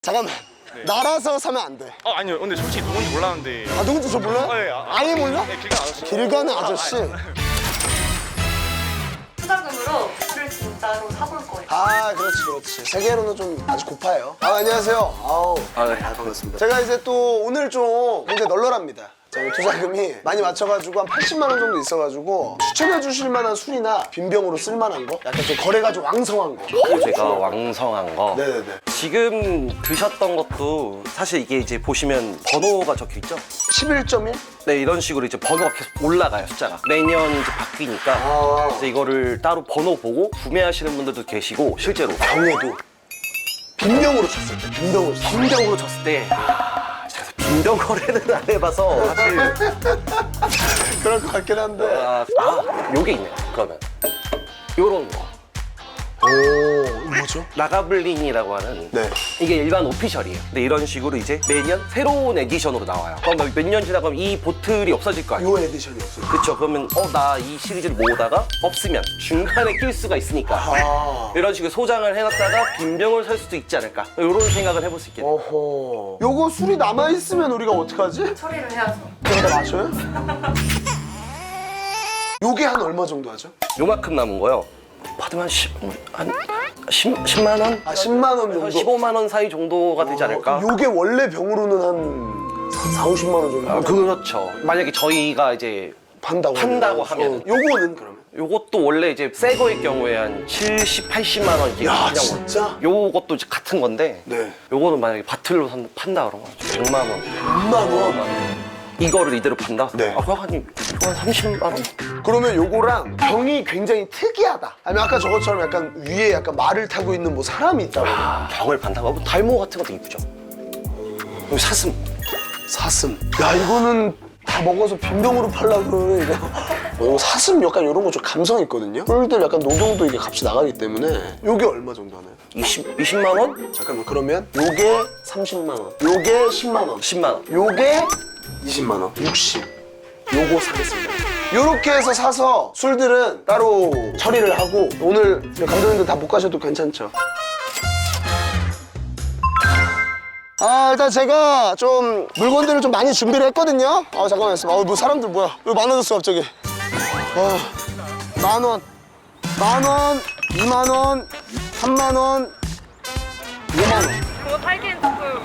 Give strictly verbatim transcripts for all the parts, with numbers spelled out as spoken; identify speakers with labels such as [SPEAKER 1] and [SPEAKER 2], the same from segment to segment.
[SPEAKER 1] 잠깐만.
[SPEAKER 2] 네.
[SPEAKER 1] 날아서 사면 안 돼.
[SPEAKER 2] 아 아니요 근데 솔직히 누군지 몰랐는데.
[SPEAKER 1] 아 누군지 저 몰라요?
[SPEAKER 2] 아, 예, 아,
[SPEAKER 1] 아예 몰라?
[SPEAKER 2] 네, 길 가는 아저씨.
[SPEAKER 1] 길 가는 아저씨.
[SPEAKER 3] 투자금으로 를 진짜로 사볼 거예요.
[SPEAKER 1] 아 그렇지 그렇지. 세계로는 좀 아주 고파요. 아 안녕하세요. 아우.
[SPEAKER 2] 아, 네.
[SPEAKER 1] 아, 반갑습니다. 제가 이제 또 오늘 좀 굉장히 널널합니다. 저희 투자금이 많이 맞춰가지고 한 팔십만 원 정도 있어가지고 추천해 주실 만한 술이나 빈병으로 쓸 만한 거? 약간 좀 거래가 좀 왕성한 거.
[SPEAKER 4] 제가 왕성한 거
[SPEAKER 1] 네네네.
[SPEAKER 4] 지금 드셨던 것도 사실 이게 이제 보시면 번호가 적혀 있죠?
[SPEAKER 1] 십일 점 일?
[SPEAKER 4] 네, 이런 식으로 이제 번호가 계속 올라가요, 숫자가. 매년 이제 바뀌니까
[SPEAKER 1] 아.
[SPEAKER 4] 그래서 이거를 따로 번호 보고 구매하시는 분들도 계시고 실제로
[SPEAKER 1] 병에도 빈병으로 쳤을 때 빈병으로 쳤을 때.
[SPEAKER 4] 빈병으로 쳤을 때 아, 제가 빈병 거래는 안 해봐서 사실
[SPEAKER 1] 그럴 것 같긴 한데.
[SPEAKER 4] 아, 아 요게 있네요, 그러면 요런 거
[SPEAKER 1] 오 뭐죠?
[SPEAKER 4] 라가블린이라고 하는
[SPEAKER 1] 네.
[SPEAKER 4] 이게 일반 오피셜이에요. 근데 이런 식으로 이제 매년 새로운 에디션으로 나와요. 그럼 몇 년 지나가면 이 보틀이 없어질 거 아니에요?
[SPEAKER 1] 요 에디션이 없어요.
[SPEAKER 4] 그쵸. 그러면 어 나 이 시리즈를 모으다가 없으면 중간에 낄 수가 있으니까
[SPEAKER 1] 아.
[SPEAKER 4] 이런 식으로 소장을 해놨다가 빈병을 살 수도 있지 않을까 이런 생각을 해볼 수 있겠네요.
[SPEAKER 1] 어허. 요거 술이 남아있으면 우리가 어떡하지?
[SPEAKER 3] 처리를 해야죠.
[SPEAKER 1] 그러다 마셔요? 요게 한 얼마 정도 하죠?
[SPEAKER 4] 요만큼 남은 거요. 받으면 십, 한 십, 십만 원?
[SPEAKER 1] 아 십만 원 정도?
[SPEAKER 4] 십오만 원 사이 정도가 되지 않을까?
[SPEAKER 1] 어, 요게 원래 병으로는 한 사오십만 원 정도
[SPEAKER 4] 아, 그렇죠. 만약에 저희가 이제
[SPEAKER 1] 판다고
[SPEAKER 4] 판다고
[SPEAKER 1] 하면.
[SPEAKER 4] 하면은.
[SPEAKER 1] 어, 요거는 그러면?
[SPEAKER 4] 요것도 원래 이제 새 거일 경우에 한 칠십, 팔십만 원 이게
[SPEAKER 1] 야,
[SPEAKER 4] 그냥
[SPEAKER 1] 진짜?
[SPEAKER 4] 요것도 이제 같은 건데
[SPEAKER 1] 네.
[SPEAKER 4] 요거는 만약에 바틀로 산, 판다 그러면 백만 원.
[SPEAKER 1] 백만 원?
[SPEAKER 4] 이거를 이대로 판다?
[SPEAKER 1] 네.
[SPEAKER 4] 아, 그거 한, 이거 한 삼십만 원?
[SPEAKER 1] 그러면 요거랑 병이 굉장히 특이하다. 아니면 아까 저것처럼 약간 위에 약간 말을 타고 있는 뭐 사람이 있다고.
[SPEAKER 4] 아, 병을 판다고? 뭐 달모 같은 것도 이쁘죠? 여기 사슴.
[SPEAKER 1] 사슴. 야 이거는 다 먹어서 빈병으로 팔라 그러네 이거. 어, 사슴 약간 이런 거 좀 감성 있거든요. 꿀들 약간 녹용도 이게 값이 나가기 때문에 요게 얼마 정도 하나요?
[SPEAKER 4] 이십, 이십만 원?
[SPEAKER 1] 잠깐만 그러면 요게 삼십만 원, 요게 십만 원,
[SPEAKER 4] 십만 원.
[SPEAKER 1] 요게 이십만 원, 육십. 요거 사겠습니다. 요렇게 해서 사서 술들은 따로 처리를 하고 오늘 감독님들 다 못 가셔도 괜찮죠? 아 일단 제가 좀 물건들을 좀 많이 준비를 했거든요. 아 잠깐만 있어. 아뭐 사람들 뭐야? 왜 많아졌어 갑자기? 아, 만 원, 만 원, 이만 원, 삼만 원, 오만 원.
[SPEAKER 3] 그거 팔기엔 조금.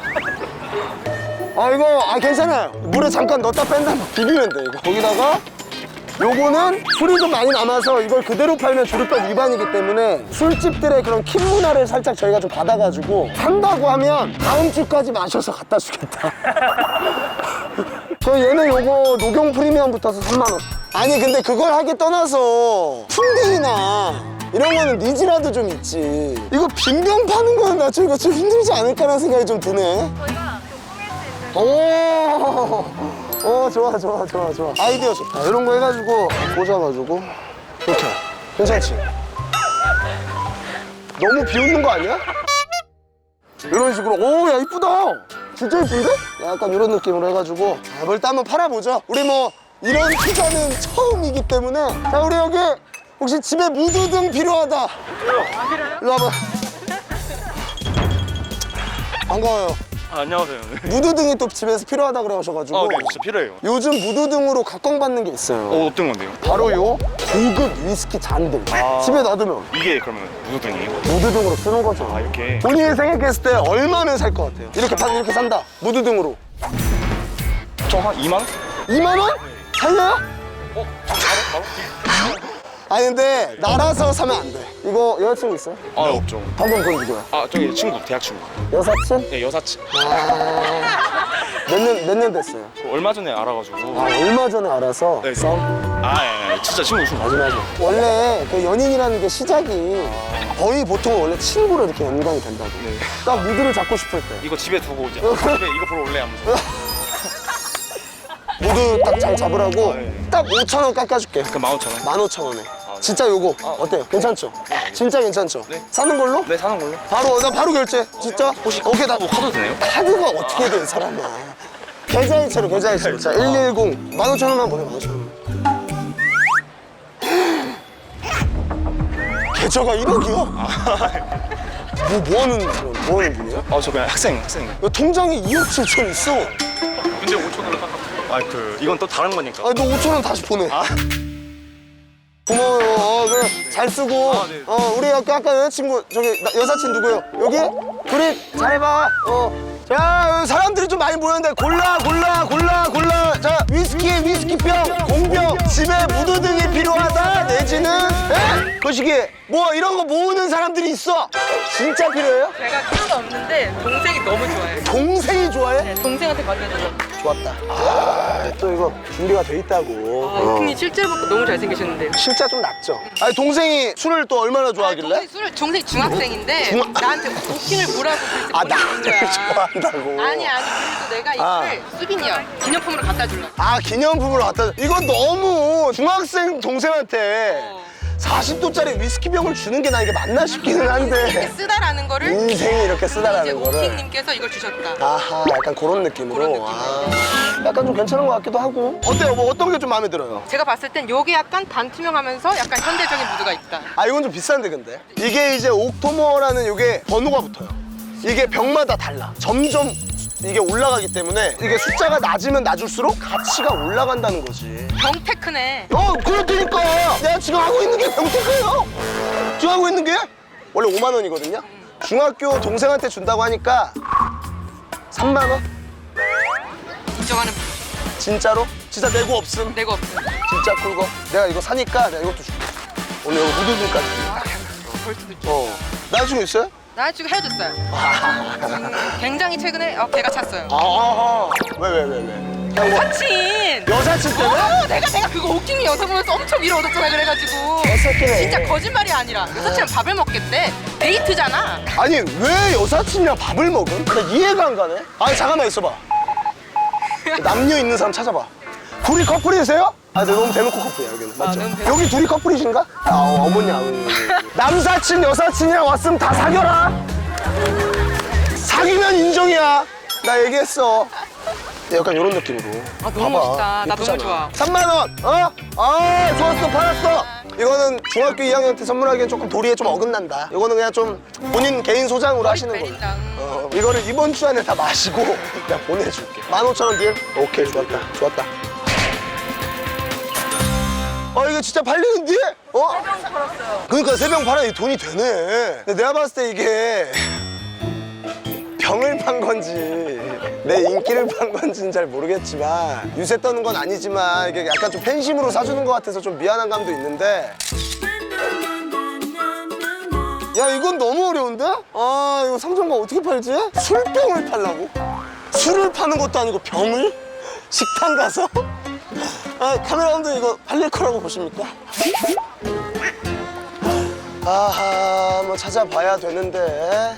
[SPEAKER 1] 아 이거 아 괜찮아요. 물에 잠깐 넣었다 뺀다 비비면 돼 이거. 거기다가 요거는 술이 좀 많이 남아서 이걸 그대로 팔면 주류법 위반이기 때문에 술집들의 그런 킵 문화를 살짝 저희가 좀 받아가지고 산다고 하면 다음 주까지 마셔서 갖다 주겠다. 저 얘는 요거 녹용 프리미엄 붙어서 삼만 원. 아니 근데 그걸 하기 떠나서 풍딩이나 이런 거는 니즈라도 좀 있지. 이거 빈병 파는 거는 나 이거 좀 힘들지 않을까라는 생각이 좀 드네.
[SPEAKER 3] 저희가 좀 꾸밀 수 있는.
[SPEAKER 1] 오, 오 좋아 좋아 좋아 좋아 아이디어 좋다. 이런 거 해가지고 꽂아가지고 이렇게 괜찮지? 너무 비웃는 거 아니야? 이런 식으로 오 야 이쁘다. 진짜 이쁜데? 약간 이런 느낌으로 해가지고 아, 뭘 일단 한번 팔아보죠. 우리 뭐 이런 투자는 처음이기 때문에 자 우리 여기 혹시 집에 무드등 필요하다. 일로 와봐. 반가워요.
[SPEAKER 2] 아, 안녕하세요. 네.
[SPEAKER 1] 무드등이 또 집에서 필요하다 그러셔가지고
[SPEAKER 2] 아, 네, 진짜 필요해요.
[SPEAKER 1] 요즘 무드등으로 각광받는 게 있어요.
[SPEAKER 2] 어, 어떤 건데요?
[SPEAKER 1] 바로 요 고급 위스키 잔등.
[SPEAKER 2] 아.
[SPEAKER 1] 집에 놔두면
[SPEAKER 2] 이게 그러면 무드등이에요?
[SPEAKER 1] 무드등으로 쓰는 거죠.
[SPEAKER 2] 아, 이렇게.
[SPEAKER 1] 본인이 생각했을 때 얼마면 살 것 같아요? 이렇게 판 이렇게 산다. 무드등으로.
[SPEAKER 2] 저 한 이만 원?
[SPEAKER 1] 이만 원? 살려요?
[SPEAKER 2] 어? 바로? 바로?
[SPEAKER 1] 아니 근데 날아서 사면 안 돼. 이거 여자친구 있어요?
[SPEAKER 2] 아, 없죠.
[SPEAKER 1] 방금 그 누구야?
[SPEAKER 2] 아, 저기 친구, 대학 친구.
[SPEAKER 1] 여사친?
[SPEAKER 2] 네, 여사친.
[SPEAKER 1] 몇 년, 몇 년 됐어요?
[SPEAKER 2] 얼마 전에 알아가지고.
[SPEAKER 1] 아, 얼마 전에 알아서
[SPEAKER 2] 네.
[SPEAKER 1] 싸움?
[SPEAKER 2] 아, 예, 예. 진짜 친구 친구.
[SPEAKER 1] 맞아 맞아. 원래 그 연인이라는 게 시작이 거의 보통 원래 친구로 이렇게 연관이 된다고.
[SPEAKER 2] 네.
[SPEAKER 1] 딱 무드를 잡고 싶을 때.
[SPEAKER 2] 이거 집에 두고 이제 집에 이거 보러 올래 하면서.
[SPEAKER 1] 무드 딱 잘 잡으라고
[SPEAKER 2] 아, 네.
[SPEAKER 1] 딱 오천 원 깎아줄게.
[SPEAKER 2] 그 만 오천 원.
[SPEAKER 1] 만 오천 원에.
[SPEAKER 2] 네.
[SPEAKER 1] 진짜 요거 어때요? 괜찮죠? 진짜 괜찮죠?
[SPEAKER 2] 네.
[SPEAKER 1] 사는 걸로?
[SPEAKER 2] 네, 사는 걸로.
[SPEAKER 1] 바로 나 바로 결제. 진짜?
[SPEAKER 2] 혹시
[SPEAKER 1] 오케이 나
[SPEAKER 2] 뭐 카드 되나요?
[SPEAKER 1] 카드가 어떻게 된 사람이야? 계좌이체로 계좌이체로. 자 일일공 만 오천 원만 보내 만 오천 원. 계좌가 일억이요? 뭐, 뭐 하는 그런 뭐 하는 분이야?
[SPEAKER 2] 아, 저 그냥 학생, 학생.
[SPEAKER 1] 야, 통장에 이억 칠천 있어.
[SPEAKER 2] 근데 오천 원을 깎아. 아, 그 이건 또 다른 거니까.
[SPEAKER 1] 아, 너 오천 원 다시 보내.
[SPEAKER 2] 아.
[SPEAKER 1] 고마워요. 어, 그래, 잘 쓰고.
[SPEAKER 2] 아, 네.
[SPEAKER 1] 어, 우리 아까, 아까 여자친구, 저기, 나- 여사친 누구요? 여기? 그래, 잘해봐. 어. 자, 여기 사람들이 좀 많이 모였는데, 골라, 골라, 골라, 골라. 자, 위스키에 위스키병, 공병, 집에 무드등이 필요하다, 내지는, 에? 거시기, 뭐, 이런 거 모으는 사람들이 있어. 진짜 필요해요?
[SPEAKER 5] 제가 필요가 없는데 동생이 너무 좋아해요.
[SPEAKER 1] 동생이 좋아해?
[SPEAKER 5] 네, 동생한테 받려줘서.
[SPEAKER 1] 좋았다. 아, 또 이거 준비가 돼 있다고.
[SPEAKER 5] 아, 형님 실제로 보고 너무 잘생기셨는데.
[SPEAKER 1] 실제 좀 낫죠? 아니, 동생이 술을 또 얼마나 좋아하길래?
[SPEAKER 5] 동생이 술을 동생이 중학생인데
[SPEAKER 1] 중학-
[SPEAKER 5] 나한테 오킹을 보라고 그래서
[SPEAKER 1] 아,
[SPEAKER 5] 보내준
[SPEAKER 1] 나를
[SPEAKER 5] 거야.
[SPEAKER 1] 좋아한다고.
[SPEAKER 5] 아니 아니 그래서 내가
[SPEAKER 1] 아.
[SPEAKER 5] 이거를 수빈이야 기념품으로 갖다 주려고.
[SPEAKER 1] 아, 기념품으로 갖다 줘. 이건 너무 중학생 동생한테
[SPEAKER 5] 어.
[SPEAKER 1] 사십 도짜리 위스키병을 주는 게 나 이게 맞나 싶기는
[SPEAKER 5] 이렇게
[SPEAKER 1] 한데.
[SPEAKER 5] 쓰다라는 거를
[SPEAKER 1] 인생이 이렇게
[SPEAKER 5] 이제
[SPEAKER 1] 쓰다라는 거를.
[SPEAKER 5] 오킹님께서 이걸 주셨다.
[SPEAKER 1] 아하, 약간 그런 느낌으로.
[SPEAKER 5] 그런 느낌으로.
[SPEAKER 1] 아, 약간 좀 괜찮은 것 같기도 하고. 어때요? 뭐 어떤 게 좀 마음에 들어요?
[SPEAKER 5] 제가 봤을 땐 요게 약간 반투명하면서 약간 현대적인 무드가 있다.
[SPEAKER 1] 아, 이건 좀 비싼데 근데. 이게 이제 옥토머라는 이게 번호가 붙어요. 이게 병마다 달라. 점점 이게 올라가기 때문에 이게 숫자가 낮으면 낮을수록 가치가 올라간다는 거지.
[SPEAKER 5] 병테크네.
[SPEAKER 1] 어, 그렇다니까. 내가 지금 하고 있는 게 병태크예요. 지금 하고 있는 게 원래 오만 원이거든요. 중학교 동생한테 준다고 하니까 삼만 원?
[SPEAKER 5] 인정하는
[SPEAKER 1] 진짜로? 진짜 내고 없음.
[SPEAKER 5] 내가 없어.
[SPEAKER 1] 진짜 꿀거. 내가 이거 사니까 내가 이것도 줄게. 오늘 이거 무드등까지.
[SPEAKER 5] 벌 수도 있죠.
[SPEAKER 1] 어. 나중에 있어요?
[SPEAKER 5] 나 지금 헤어졌어요. 음, 굉장히 최근에 어, 배가 찼어요.
[SPEAKER 1] 아, 왜, 왜, 왜, 왜? 그냥 뭐
[SPEAKER 5] 여사친!
[SPEAKER 1] 여사친 때문에?
[SPEAKER 5] 어, 내가 내가 그거 오킹이 영상 보면서 엄청 위로 얻었잖아 그래가지고.
[SPEAKER 1] 개새끼네.
[SPEAKER 5] 진짜 거짓말이 아니라 여사친은 밥을 먹겠대. 데이트잖아.
[SPEAKER 1] 아니, 왜 여사친이랑 밥을 먹음? 나 이해가 안 가네. 아니, 잠깐만 있어봐. 남녀 있는 사람 찾아봐. 둘이 커플이세요? 아, 근데 너무 대놓고 커플이야, 여기는. 맞죠?
[SPEAKER 5] 너무 대놓고.
[SPEAKER 1] 여기 둘이 커플이신가? 아, 어, 어머니, 아버님. 남사친, 여사친이랑 왔으면 다 사겨라. 사귀면 인정이야. 나 얘기했어. 약간 이런 느낌으로.
[SPEAKER 5] 아, 너무 멋있다. 나 너무 좋아.
[SPEAKER 1] 삼만 원. 어? 아, 좋았어. 팔았어. 이거는 중학교 이 학년 때 선물하기엔 조금 도리에 좀 어긋난다. 이거는 그냥 좀 본인 개인 소장으로 하시는 거예요.
[SPEAKER 5] 베린다. 음.
[SPEAKER 1] 어, 이거를 이번 주 안에 다 마시고 내가 보내줄게. 만 오천 원 딜? 오케이, 좋았다. 좋았다. 어, 이거 진짜 팔리는데? 어? 세 병 팔았어요. 그러니까 세 병 팔아야 돈이 되네. 근데 내가 봤을 때 이게 병을 판 건지 내 인기를 판 건지는 잘 모르겠지만 유세 떠는 건 아니지만 이게 약간 좀 팬심으로 사주는 것 같아서 좀 미안한 감도 있는데 야, 이건 너무 어려운데? 아, 이거 상점가 어떻게 팔지? 술병을 팔라고? 술을 파는 것도 아니고 병을? 식당 가서? 아, 카메라 감독 이거 팔릴 거라고 보십니까? 아하, 뭐 찾아봐야 되는데.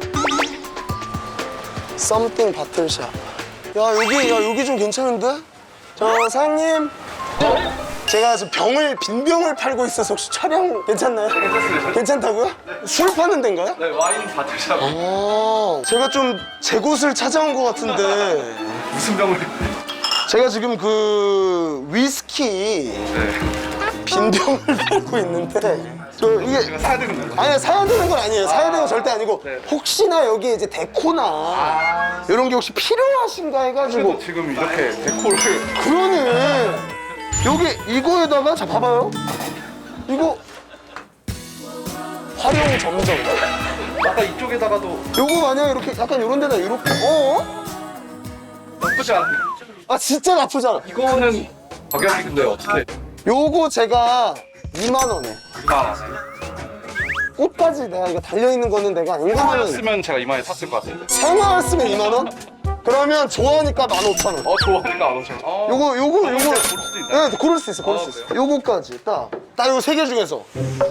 [SPEAKER 1] 썸띵 바틀샵. 야, 여기, 야, 여기 좀 괜찮은데? 저, 사장님. 제가 지금 병을, 빈병을 팔고 있어서 혹시 촬영 괜찮나요? 괜찮습니다. 괜찮다고요? 술 파는 데인가요?
[SPEAKER 2] 네, 와인 바틀샵.
[SPEAKER 1] 어, 제가 좀 제 곳을 찾아온 것 같은데.
[SPEAKER 2] 무슨 병을?
[SPEAKER 1] 제가 지금 그 위스키 빈병을 팔고 있는데 저 이게
[SPEAKER 2] 제가 사야 되는 거예요?
[SPEAKER 1] 아니 사야 되는 건 아니에요. 사야 되는 건 절대 아니고 혹시나 여기 이제 데코나 이런 게 혹시 필요하신가 해가지고
[SPEAKER 2] 지금 이렇게 데코를
[SPEAKER 1] 그러네. 여기 이거에다가 자 봐봐요. 이거 활용 점정.
[SPEAKER 2] 아까 이쪽에다가도
[SPEAKER 1] 요거 만약 이렇게 약간 이런 데다 이렇게 어?
[SPEAKER 2] 나쁘지 않아요.
[SPEAKER 1] 아 진짜 나쁘지 않아.
[SPEAKER 2] 이거는 가격이 근데 어떻게
[SPEAKER 1] 요거 제가 이만 원에
[SPEAKER 2] 이만하세요?
[SPEAKER 1] 꽃까지 내가 이거 달려있는 거는 내가 웬만하면
[SPEAKER 2] 쓰면 제가 이만에 샀을 것 같은데.
[SPEAKER 1] 생화를 쓰면 이만 원? 그러면 좋아하니까 만 오천 원.
[SPEAKER 2] 어, 좋아하니까 안 오죠. 어.
[SPEAKER 1] 요거 요거 요거
[SPEAKER 2] 고를 수도 있나요?
[SPEAKER 1] 네, 고를 수 있어. 고를
[SPEAKER 2] 아,
[SPEAKER 1] 수 있어. 요거까지 딱. 딱 요거 세 개 중에서.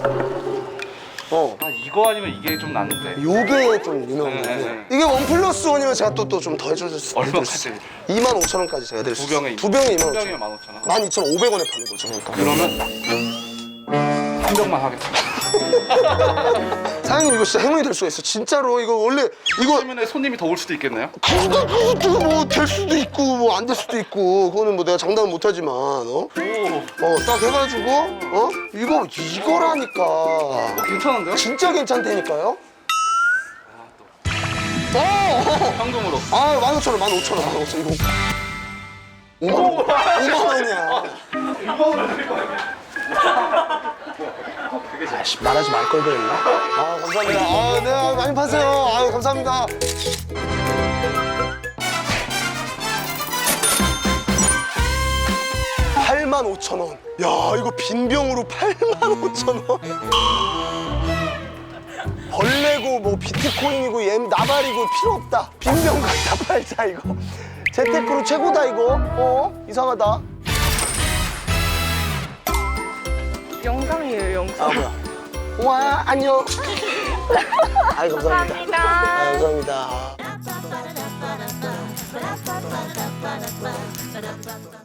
[SPEAKER 1] 어.
[SPEAKER 2] 아, 이거 아니면 이게 좀 낫는데.
[SPEAKER 1] 요게 좀 유명해.
[SPEAKER 2] 네, 네.
[SPEAKER 1] 이게 원 플러스 원이면 제가 또 또 좀 더 해줄 수
[SPEAKER 2] 얼마까지?
[SPEAKER 1] 이만 오천 원까지 제가 드릴 수
[SPEAKER 2] 두 병에
[SPEAKER 1] 있어요. 두 병에 이만
[SPEAKER 2] 두
[SPEAKER 1] 오천
[SPEAKER 2] 병이면
[SPEAKER 1] 원.
[SPEAKER 2] 만 오천 원.
[SPEAKER 1] 만 이천 오백 원에 파는 거죠. 그러니까.
[SPEAKER 2] 그러면 한 병만 하겠습니다.
[SPEAKER 1] 사장님 이거 진짜 행운이 될 수가 있어. 진짜로 이거 원래 이거
[SPEAKER 2] 그러면 손님이 더 올 수도 있겠네요?
[SPEAKER 1] 그거 그것도 뭐 될 수도 있고 뭐 안 될 수도 있고 그거는 뭐 내가 장담은 못하지만 어?
[SPEAKER 2] 오,
[SPEAKER 1] 어 딱 해가지고 어? 이거 이거라니까
[SPEAKER 2] 괜찮은데요?
[SPEAKER 1] 진짜 괜찮다니까요? 어!
[SPEAKER 2] 현금으로.
[SPEAKER 1] 아, 만 오천 원, 만 오천 원, 만 오천 원. 이거. 오만 원. 오만 원이야. 아씨, 말하지 말 걸 그랬나? 아, 감사합니다. 아, 네, 아, 많이 파세요. 아, 감사합니다. 팔만 오천 원. 야, 이거 빈 병으로 팔만 오천 원. 벌레고 뭐 비트코인이고 얘 나발이고 필요 없다. 빈 병 갖다 팔자 이거. 재테크로 최고다 이거. 어? 이상하다.
[SPEAKER 3] 영상이에요, 영상.
[SPEAKER 1] 아 뭐야? 와 안녕. 아이 감사합니다. 아, 감사합니다.